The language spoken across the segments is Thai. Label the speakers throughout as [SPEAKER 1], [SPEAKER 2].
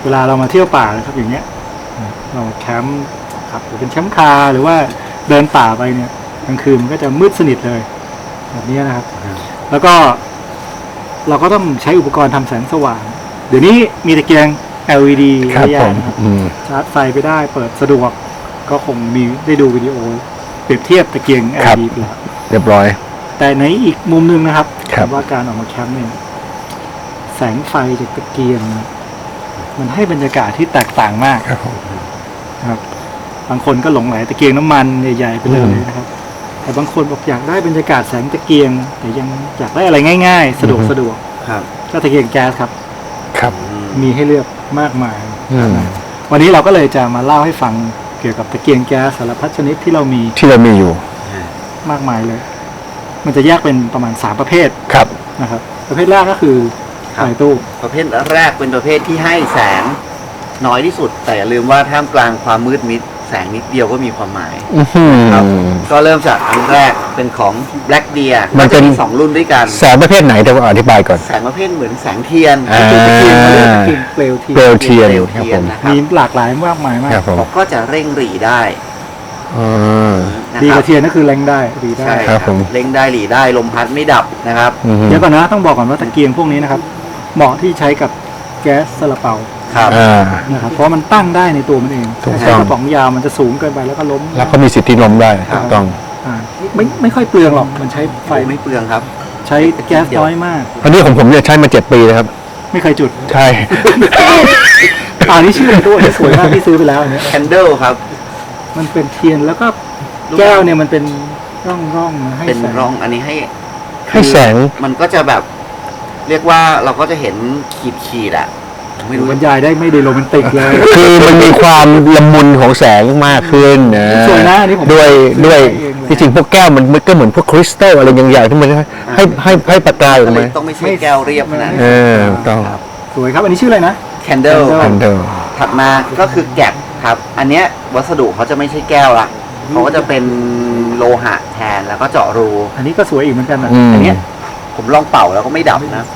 [SPEAKER 1] เวลาเรามาเที่ยวป่านะครับอย่างเงี้ยเราแคมป์ครับหรือเป็นแคมป์คาร์หรือว่าเดินป่าไปเนี่ยกลางคืนมันก็จะมืดสนิทเลยแบบนี้นะครับแล้วก็เราก็ต้องใช้อุปกรณ์ทำแสงสว่างเดี๋ยวนี้มีตะเกียง LED ระยะนะครับชาร์จไฟไปได้เปิดสะดวกก็คงมีได้ดูวิดีโอเปรียบเทียบตะเกียง LED ไปแล้ว
[SPEAKER 2] เรียบร้อย
[SPEAKER 1] แต่ในอีกมุมนึงนะครับว่าการออกมาแคมป์เนี่ยแสงไฟจากตะเกียงมันให้บรรยากาศที่แตกต่างมากครับบางคนก็หลงไหลตะเกียงน้ำมันใหญ่ๆไปเลยนะครับแต่บางคนบอกอยากได้บรรยากาศแสงตะเกียงแต่ยังอยากได้อะไรง่ายๆสะดวกก็ตะเกียงแก๊สครับมีให้เลือกมากมายวันนี้เราก็เลยจะมาเล่าให้ฟังเกี่ยวกับตะเกียงแก๊สสารพัดชนิดที่เรามี
[SPEAKER 2] อยู่
[SPEAKER 1] มากมายเลยมันจะแยกเป็นประมาณ3ประเภทนะครับประเภทแรกก็คือไฟตู้
[SPEAKER 3] ประเภทแรกเป็นประเภทที่ให้แสงน้อยที่สุดแต่อย่าลืมว่าท่ามกลางความมืดมิดแสงนิดเดียวก็มีความหมายครับก็เริ่มจากอันแรกเป็นของ Black Deer
[SPEAKER 2] มันเป็น
[SPEAKER 3] 2รุ่นด้วยกัน
[SPEAKER 2] แสงประเภทไหนเดี๋ยวอธิบายก่อน
[SPEAKER 3] แสงประเภทเหมือนแสงเทียน
[SPEAKER 1] ตะเกียงเปลวเทียน
[SPEAKER 3] นะครับ
[SPEAKER 1] มีหลากหลายมากมายมาก
[SPEAKER 3] ก็จะเร่งหรี่ได้
[SPEAKER 1] ดีกว่าเทียนก็คือเร่งได้หรี่ได้
[SPEAKER 3] เร่งได้หรี่ได้ลมพัดไม่ดับนะครับ
[SPEAKER 1] เดี๋ยวก่อนนะต้องบอกก่อนว่าตะเกียงพวกนี้นะครับเหมาะที่ใช้กับแก๊สซาลาเปานะครับเพราะมันตั้งได้ในตัวมันเองใช้กระป๋องยาวมันจะสูงเกินไปแล้วก็ล้ม
[SPEAKER 2] แล้วก็มีสิทธิ์ที่ล้มได้ถูกต้อง
[SPEAKER 1] ไม่ค่อยเปลืองหรอกมันใช้ไฟ
[SPEAKER 3] ไม่เปลืองครับ
[SPEAKER 1] ใช้แก๊สน้อยมาก
[SPEAKER 2] อันนี้ผมเนี่ยใช้มา7 ปีแล้วครับ
[SPEAKER 1] ไม่เคยจุด
[SPEAKER 2] ใช่
[SPEAKER 1] นี่ชื่อตัวสวยมากที่ซื้อไปแล้วเนี่ย
[SPEAKER 3] Candle ครับ
[SPEAKER 1] มันเป็นเทียนแล้วก็แก้วเนี่ยมันเป็นร่องให้
[SPEAKER 3] เป็นร่องอันนี้
[SPEAKER 2] ให้แสง
[SPEAKER 3] มันก็จะแบบเรียกว่าเราก็จะเห็นขีดอ่ะ
[SPEAKER 1] ไม่รู้บรรยายได้ไม่ได้โรแมนติกเลย
[SPEAKER 2] คือมันมีความละมุนของแสงมากขึ้นนะ
[SPEAKER 1] สวยนะนี่ผม
[SPEAKER 2] ด้วยจริงๆพวกแก้วมันก็เหมือนพวกคริสตัลอะไรอย่างๆที่มันให้ประกายออกมา
[SPEAKER 3] ต้องไม่ใช่แก้วเรียบนะ
[SPEAKER 2] ต้อง
[SPEAKER 1] สวยครับอันนี้ชื่ออะไรนะ
[SPEAKER 3] Candle ถัดมาก็คือแกะครับอันเนี้ยวัสดุเขาจะไม่ใช่แก้วละเขาก็จะเป็นโลหะแทนแล้วก็เจาะรู
[SPEAKER 1] อันนี้ก็สวยอีกเหมือนกันนะ
[SPEAKER 3] อันเนี้ยผมลองเป่าแล้วก็ไม่ดับนะ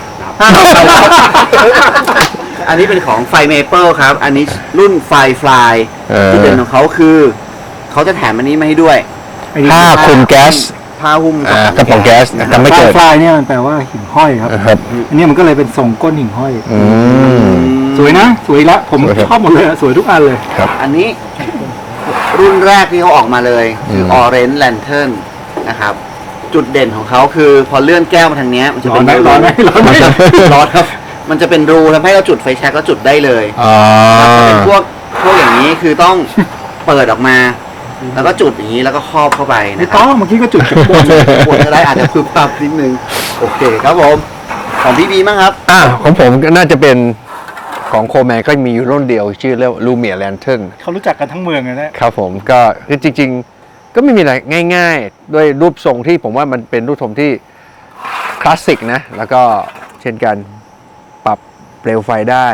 [SPEAKER 3] อันนี้เป็นของไฟเมเปิลครับอันนี้รุ่นไฟฟลายที่เด่นของเขาคือเขาจะแถมอันนี้มาให้ด้วย
[SPEAKER 2] ผ้าคลุมแก๊ส
[SPEAKER 3] ผ้าหุ้ม
[SPEAKER 2] กระป๋องแก๊ส
[SPEAKER 1] ทำไม่เกิดไฟเนี่ยมันแปลว่าหิ่งห้อยครับอันนี้มันก็เลยเป็นทรงก้นหิ่งห้อยสวยนะสวยละผมชอบหมดเลยสวยทุกอันเลย
[SPEAKER 3] อันนี้รุ่นแรกที่เขาออกมาเลยคือ Orange Lantern นะครับจุดเด่นของเขาคือพอเลื่อนแก้วมาทางนี้มันจะเป็น
[SPEAKER 1] ร้อน
[SPEAKER 3] ครับมันจะเป็นรูทำให้เราจุดไฟแช็กแล้วจุดได้เลยเป็นพวกอย่างนี้คือต้องเปิดออกมาแล้วก็จุดอย่างนี้แล้วก็ครอบเข้าไป
[SPEAKER 1] นะครับเมื่อกี้ก็จุดจากบ
[SPEAKER 3] นก็ได้อาจจะพึบพับนิดนึงโอเคครับผมของพี่บีมั้งครับ
[SPEAKER 2] ของผมก็น่าจะเป็นของโคแมนก็มีรุ่นเดียวชื่อเรียกลูเมียแลนเทิร์น
[SPEAKER 1] เขารู้จักกันทั้งเมืองเลย
[SPEAKER 2] นะครับผมก็จริงๆก็ไม่มีอะไรง่ายๆด้วยรูปทรงที่ผมว่ามันเป็นรูปทรงที่คลาสสิกนะแล้วก็เช่นกันปรับเปลวไฟได้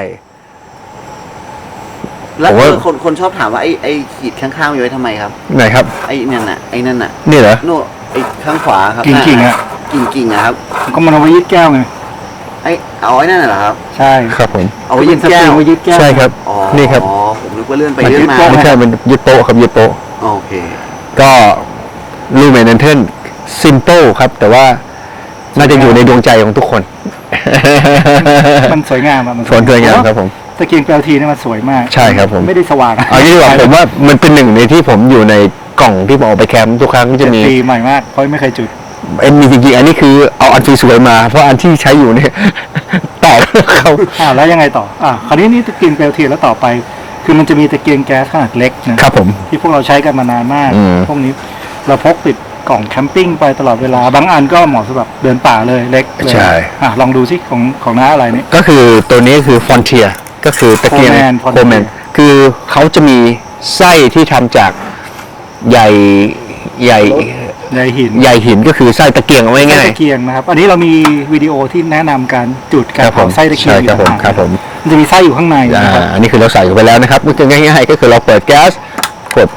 [SPEAKER 3] แล้วคนชอบถามว่าไอ้ขีดข้างๆอยู่ไว้ทำไมครับ
[SPEAKER 2] ไหนครับ
[SPEAKER 3] ไอ้นั่นน่ะ
[SPEAKER 2] นี่เหรอ
[SPEAKER 3] โน่ไอ้ข้างขวาครับ
[SPEAKER 1] กิ่งอ่ะ
[SPEAKER 3] กิ่งครับ
[SPEAKER 1] ก็มันเอาไว้ยึดแก้วไง
[SPEAKER 3] เอาไว้นั่นเหรอครับ
[SPEAKER 1] ใช่
[SPEAKER 2] ครับผม
[SPEAKER 3] เอาไว้ยึดแก้ว
[SPEAKER 2] ใช่ครับนี่ครับ
[SPEAKER 3] ผมนึกว่าเลื่อนไปเลื่อนมา
[SPEAKER 2] ไม่ใช่มันยึดโต๊ะครับยึดโต๊ะ
[SPEAKER 3] โอเค
[SPEAKER 2] ก็ลูเมนเทนซิมเปิลครับแต่ว่าน่าจะอยู่ในดวงใจของทุกคน
[SPEAKER 1] มันสวยงาม
[SPEAKER 2] มันสวยงามครับผม
[SPEAKER 1] ตะเกียงแปลวทีนี่มันสวยมาก
[SPEAKER 2] ใช่ครับผม
[SPEAKER 1] ไม่ได้สว่าง
[SPEAKER 2] เอางี้ดีกว่าผมว่ามันเป็นหนึ่งในที่ผมอยู่ในกล่องที่ผมเอาไปแคมป์ทุกครั้งจะมี
[SPEAKER 1] ใหม่มากเพราะไม่เคยจุด
[SPEAKER 2] มีจริงๆอันนี้คือเอาอันสวยๆมาเพราะอันที่ใช้อยู่เนี่ยแตกเขา
[SPEAKER 1] แล้วยังไงต่อคราวนี้นี่ตะเกียงแปลวทีแล้วต่อไปคือมันจะมีตะเกียงแก๊สขนาดเล็ก
[SPEAKER 2] นะครับผม
[SPEAKER 1] ที่พวกเราใช้กันมานานมากพวกนี้เราพกติดกล่องแคมปิ้งไปตลอดเวลาบางอันก็เหมาะสำหรับเดินป่าเลยเล็ก
[SPEAKER 2] ใช่
[SPEAKER 1] ลองดูสิของน้าอะไรนี่
[SPEAKER 2] ก็คือตัวนี้คือฟอนเทียก็คือตะเกียงโคแมนคือเขาจะมีไส้ที่ทำจากใหญ่หินก็คือไส้ตะเกียงเอาไว้ง่าย
[SPEAKER 1] ตะเกียงนะครับอันนี้เรามีวิดีโอที่แนะนำการจุดการเผาไส้ตะเกียง
[SPEAKER 2] ครับผม
[SPEAKER 1] มันจะมีไส้อยู่ข้างในนะครับ
[SPEAKER 2] อันนี้คือเราใส่ไปแล้วนะครับก็คือง่ายๆก็คือเราเปิดแก๊สกด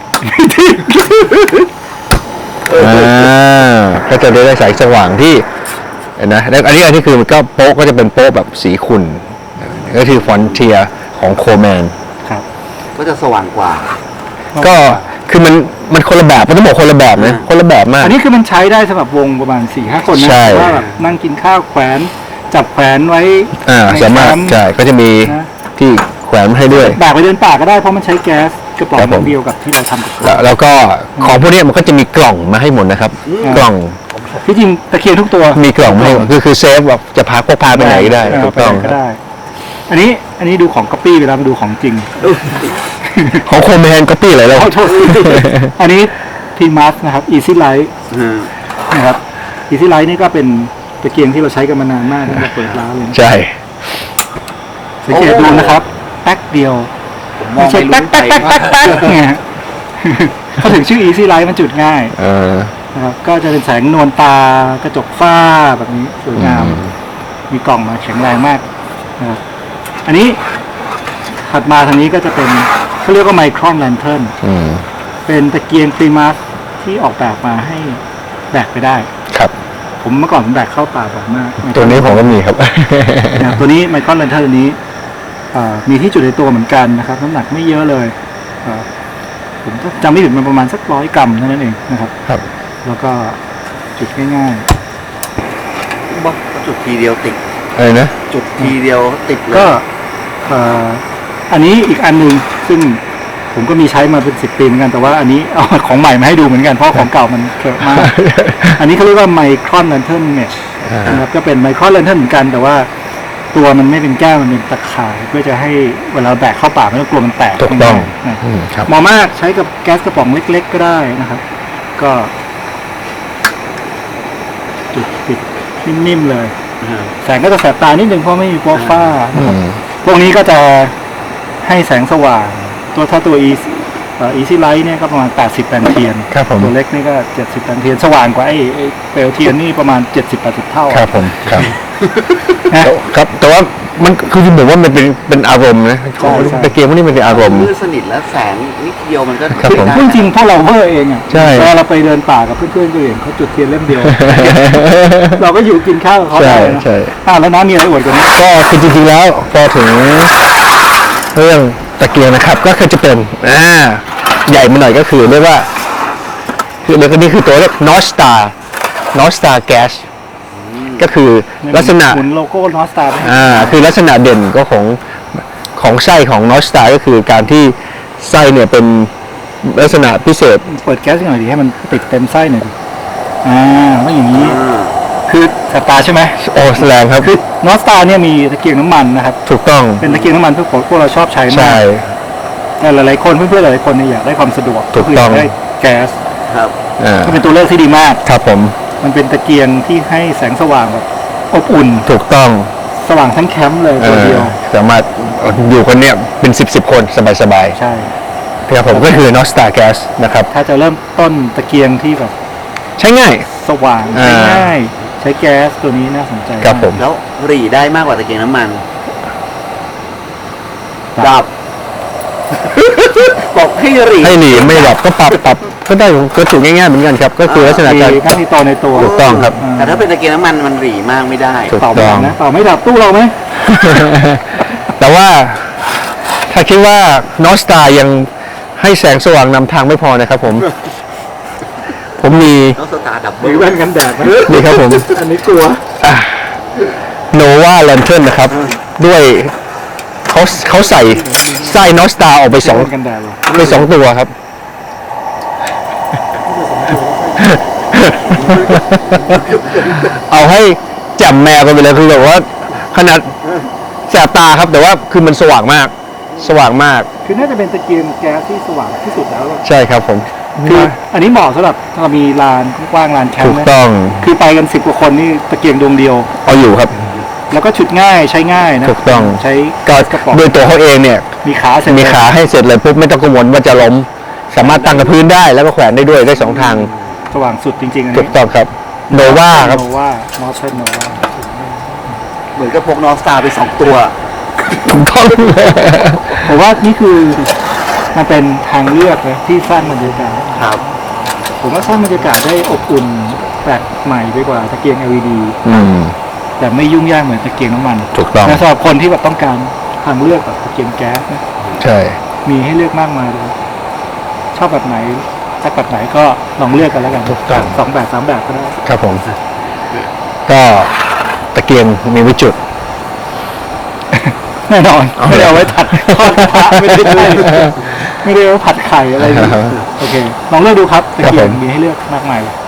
[SPEAKER 2] ก็จะได้แสงสว่างที่นะแล้วอันนี้คือมันก็โป๊ะก็จะเป็นโป๊ะแบบสีขุ่นก็คือ Frontier ของโคแมน
[SPEAKER 1] ครับ
[SPEAKER 3] ก็จะสว่างกว่า
[SPEAKER 2] ก็คือมันคนละแบบมันต้องบอกคนละแบบนะคนละแบบมาก
[SPEAKER 1] อันนี้คือมันใช้ได้สำหรับวงประมาณ 4-5 คนนะ
[SPEAKER 2] ใช่
[SPEAKER 1] ว่าแบบนั่งกินข้าวแขวนจับแขวนไว้ใน
[SPEAKER 2] สามารถ
[SPEAKER 1] แคมป์
[SPEAKER 2] ใช่ก็จะมี
[SPEAKER 1] นะ
[SPEAKER 2] ที่แขวนให้ด้วย
[SPEAKER 1] แบกไปเดินป่าก็ได้เพราะมันใช้แก๊สกระป๋อ
[SPEAKER 2] ครับผม
[SPEAKER 1] งเดียวกับที่เราทำกับ
[SPEAKER 2] แล้วก็ของพวกนี้มันก็จะมีกล่องมาให้หมดนะครับ กล่อง
[SPEAKER 1] ที่จริงตะเคียนทุกตัว
[SPEAKER 2] มีกล่องมาให้หมดคือเซฟแบบจะพกพาไปไหนก็ได้ถูก
[SPEAKER 1] ไป
[SPEAKER 2] ต้อง
[SPEAKER 1] ไหนก็ได้ อันนี้ดูของก๊อปปี้ไปแล้วมาดูของจริง
[SPEAKER 2] ของโคแมนก็ปีอะไรแล้ว
[SPEAKER 1] ขอโทษอันนี้พีมัสนะครับ Easy Light นะครับ Easy Light นี่ก็เป็นตะเกียงที่เราใช้กันมานานมากตั้งแต่เปิดร้านเลยนะ
[SPEAKER 2] ใช่
[SPEAKER 1] สังเกตดูนะครับแป๊กเดียว
[SPEAKER 3] ผมมองไม่รู้
[SPEAKER 1] แป๊ก
[SPEAKER 3] ไป
[SPEAKER 1] แป๊กแป๊กแป๊กแป๊กเนี่ยเขาถึงชื่อ Easy Light มันจุดง่าย
[SPEAKER 2] เออ
[SPEAKER 1] นะครับก็จะเป็นแสงนวลตากระจกฝ้าแบบนี้สวยงาม มีกล่องมาแข็งแรงมากนะครับอันนี้ถัดมาทางนี้ก็จะเป็นเขาเรียกว่าไมครอนแลนเทิร์น
[SPEAKER 2] อืม
[SPEAKER 1] เป็นตะเกียงพรีมัสที่ออกแบบมาให้แบกไปได้
[SPEAKER 2] ครับ
[SPEAKER 1] ผมเมื่อก่อนผมแบกเข้าป่าบ่อยมาก
[SPEAKER 2] ตัวนี้ผมก็มีครับ
[SPEAKER 1] นะครับตัวนี้ไมครอนแลนเทิร์นนี้มีที่จุดในตัวเหมือนกันนะครับน้ำหนักไม่เยอะเลยผมจำไม่ผิดมันประมาณสัก100 กรัมเท่านั้นเองนะครับ
[SPEAKER 2] ครับ
[SPEAKER 1] แล้วก็จุดง่าย
[SPEAKER 3] บอกจุดทีเดียวติด
[SPEAKER 2] อะไรนะ
[SPEAKER 3] จุดทีเดียวติดเล
[SPEAKER 1] ๆ ก็
[SPEAKER 3] ย
[SPEAKER 1] อันนี้อีกอันหนึ่งซึ่งผมก็มีใช้มาเป็น10 ปีเหมือนกันแต่ว่าอันนี้เอาของใหม่มาให้ดูเหมือนกันเพราะของเก่ามันเกิดมาก อันนี้เขาเรียกว่าไมครอนแลนเทิร์นเมชนะครับก็เป็นไมครอนแลนเทิร์นเหมือนกันแต่ว่าตัวมันไม่เป็นแก้วมันเป็นตะข่ายเพื่อจะให้เวลาแบกเข้าป่าไม่ต้องกลัวมันแตก
[SPEAKER 2] ถูกต้อง
[SPEAKER 1] นะ
[SPEAKER 2] ครับ
[SPEAKER 1] เหมาะมากใช้กับแก๊สกระป๋องเล็ก ๆ ก็ได้นะครับ ก็จุดปิดนิ่มๆเลย แสงก็จะแสบตานิดนึงเพราะไม่มีโปรฟ้านะครับพวกนี้ก็จะให้แสงสว่างถ้าตัว Easy Light เนี่ยก็ประมาณ80 แปนเทียน
[SPEAKER 2] ครับผม
[SPEAKER 1] ตัวเล็กนี่ก็70 แปนเทียนสว่างกว่าไอ้เปลวเทียนนี่ประมาณ 70-80 เท่า
[SPEAKER 2] ครับผมครับ
[SPEAKER 1] นะ
[SPEAKER 2] ครับแต่ว่ามันคือผมว่ามันเป็นอารมณ์นะ
[SPEAKER 1] ใช่ใช่
[SPEAKER 2] ตะเกียงพวกนี้มันเป็นอารมณ์
[SPEAKER 3] มืดสนิทแล้วแสงนิดเดียวมันก็
[SPEAKER 2] ครับผม
[SPEAKER 3] ได้
[SPEAKER 1] พูดจริงพวกเราเวอร์เองอ่ะ
[SPEAKER 2] ใช่
[SPEAKER 1] เวลาเราไปเดินป่ากับเพื่อนๆก็เห็นเขาจุดเทียนเล่มเดียว เราก็อยู่กินข้าวกับเขาได้นะ
[SPEAKER 2] ใช่
[SPEAKER 1] แล้วน้ามีอะไรอวดกว่านี้
[SPEAKER 2] ก็คือจริงๆแล้วพอถึงเรื่องตะเกียงนะครับ ก็คือจะเป็นใหญ่มาหน่อยก็คือเรียกว่าคือเรียกว่านี่คือตัวเรียก North Star Gas ก็คือลักษณะ
[SPEAKER 1] หมุนโลโก้นอสตาร์
[SPEAKER 2] คือลักษณะเด่นก็ของไส้ของ North Star ก็คือการที่ไส้เนี่ยเป็นลักษณะพิเศษ
[SPEAKER 1] เปิดแก๊สหน่อยดิให้มันติดเต็มไส้หน่อยดิว่าอย่างนี้ คือสตาร์ใช่ไหม
[SPEAKER 2] โอ้แสดงครับ
[SPEAKER 1] นอสตาร์เนี่ยมีตะเกียงน้ำมันนะครับ
[SPEAKER 2] ถูกต้อง
[SPEAKER 1] เป็นตะเกียงน้ำมันพวกเราชอบใช้มา
[SPEAKER 2] ใช่
[SPEAKER 1] กแต่หลายๆคนเพื่อนๆหลายๆคนเนี่ยอยากได้ความสะดวก
[SPEAKER 2] ถูกต้อง
[SPEAKER 1] คืยาได้แก๊ส
[SPEAKER 3] ครับ
[SPEAKER 2] อ่า
[SPEAKER 1] ก็เป็นตัวเลือกที่ดีมาก
[SPEAKER 2] ครับผม
[SPEAKER 1] มันเป็นตะเกียงที่ให้แสงสว่างแบบอบอุ่น
[SPEAKER 2] ถูกต้อง
[SPEAKER 1] สว่างทั้งแคมป์เลยตัวเดียว
[SPEAKER 2] สามารถอยู่คนเนี่ยเป็น10 คนสบาย
[SPEAKER 1] ใช่
[SPEAKER 2] ๆครับผมก็คือ North Star Gas นะครับ
[SPEAKER 1] ถ้าจะเริ่มต้นตะเกียงที่แบบ
[SPEAKER 2] ใช้ง่าย
[SPEAKER 1] สว่าง
[SPEAKER 2] อ่า
[SPEAKER 1] ง่ายๆใช้แก๊สตัวนี้น่าสนใจ
[SPEAKER 2] ครับผม
[SPEAKER 3] แล้วหรี่ได้มากกว่าตะเกียงน้ำมัน ดับ บอกให้หรี่
[SPEAKER 2] ให้หนีไม่หลับก็ปรับก็ได้ก็ถูกง่ายๆเหมือนกันครับ ก็คือลักษณะ
[SPEAKER 1] มี
[SPEAKER 2] การ
[SPEAKER 1] หน้าที่ต่อในตัว
[SPEAKER 2] ถูกต้องครับ
[SPEAKER 3] แต่ถ้าเป็นตะเกียงน้ำมันมันหรี่มากไม่ได้
[SPEAKER 2] ถูก
[SPEAKER 1] เป่าไม่ดับนะเป่าไม่ดับตู้เราไหม
[SPEAKER 2] แต่ว่าถ้าคิดว่า North Star ยังให้แสงสว่างนำทางไม่พอนะครับผม ผมมี
[SPEAKER 3] ต้องสตาร์ดับเบิ
[SPEAKER 1] มี
[SPEAKER 3] ล
[SPEAKER 1] แว่นกันแดดไหม
[SPEAKER 2] นี่ครับผม
[SPEAKER 1] อันนี้กลัว
[SPEAKER 2] Nova Lantern นะครับ ด้วยเขาใส่ไส้ North Star ออกไปสอง
[SPEAKER 1] แว่นกันแดดเหรอ
[SPEAKER 2] ตัวครับ เอาให้แจ่มแมวกันไปเลยคือแบบว่าขนาดแสบตาครับแต่ว่าคือมันสว่างมาก
[SPEAKER 1] คือน่าจะเป็นตะเกียงแก๊สที่สว่างที่สุดแล้ว
[SPEAKER 2] ใช่ครับผม
[SPEAKER 1] คืออันนี้เหมาะสำหรับถ้าเรามีลานกว้างๆลานแคม
[SPEAKER 2] ถู
[SPEAKER 1] ป์
[SPEAKER 2] ก
[SPEAKER 1] นะ
[SPEAKER 2] ต้อง
[SPEAKER 1] คือไปกัน10 กว่าคนนี่ตะเกียงดวงเดียว
[SPEAKER 2] เอาอยู่ครับ
[SPEAKER 1] แล้วก็ฉุดง่ายใช้ง่ายนะ
[SPEAKER 2] ถูกต้อง
[SPEAKER 1] ใช้
[SPEAKER 2] ก็
[SPEAKER 1] กระป๋อง
[SPEAKER 2] โดยตัวเขาเองเนี่ย
[SPEAKER 1] มีขาเสร็จ
[SPEAKER 2] มีขาให้เสร็จเลยปุ๊บไม่ต้องกังวลว่าจะล้ม สามารถตั้งกับพื้นได้แล้วก็แขวนได้ด้วยได้สองทาง
[SPEAKER 1] สว่างสุดจริงๆอัน
[SPEAKER 2] ถู
[SPEAKER 1] นี้
[SPEAKER 2] กต้องครับโนวาครับ
[SPEAKER 1] โนวานอร์เทิร์นโนวา
[SPEAKER 3] เหมือนกับพกนอสตาร์ไป2 ตัว
[SPEAKER 2] ถูกต้อง
[SPEAKER 1] ผมว่านี่คือมันเป็นทางเลือกนะที่สร้างบรรยากาศ
[SPEAKER 3] ครับ
[SPEAKER 1] ผมว่าสร้างบรรยากาศได้อบอุ่นแปลกใหม่ไปกว่าตะเกียง LED
[SPEAKER 2] อืม
[SPEAKER 1] แต่ไม่ยุ่งยากเหมือนตะเกียงน้ำมัน
[SPEAKER 2] ถูกต้อง
[SPEAKER 1] แต่สำหรับคนที่แบบต้องการทางเลือกแบบตะเกียงแก๊สนะ
[SPEAKER 2] ใช่
[SPEAKER 1] มีให้เลือกมากมายเลยชอบแบบไหนสักแบบไหนก็ลองเลือกกันแล้วกัน
[SPEAKER 2] ถูกต้อง
[SPEAKER 1] 2 แบบ 3 แบบก็ได้
[SPEAKER 2] ครับผม ก็ตะเกียงมีไว้จุด
[SPEAKER 1] แน่นอนไม่ได้เอาไว้ผัดทอดกระทะไม่ได้ไม่ได้เอาไว้ผัดไข่อะไรอย่างเงี้ยโอเคลองเลือกดูครับตะเกียงมีให้เลือกมากมายเลย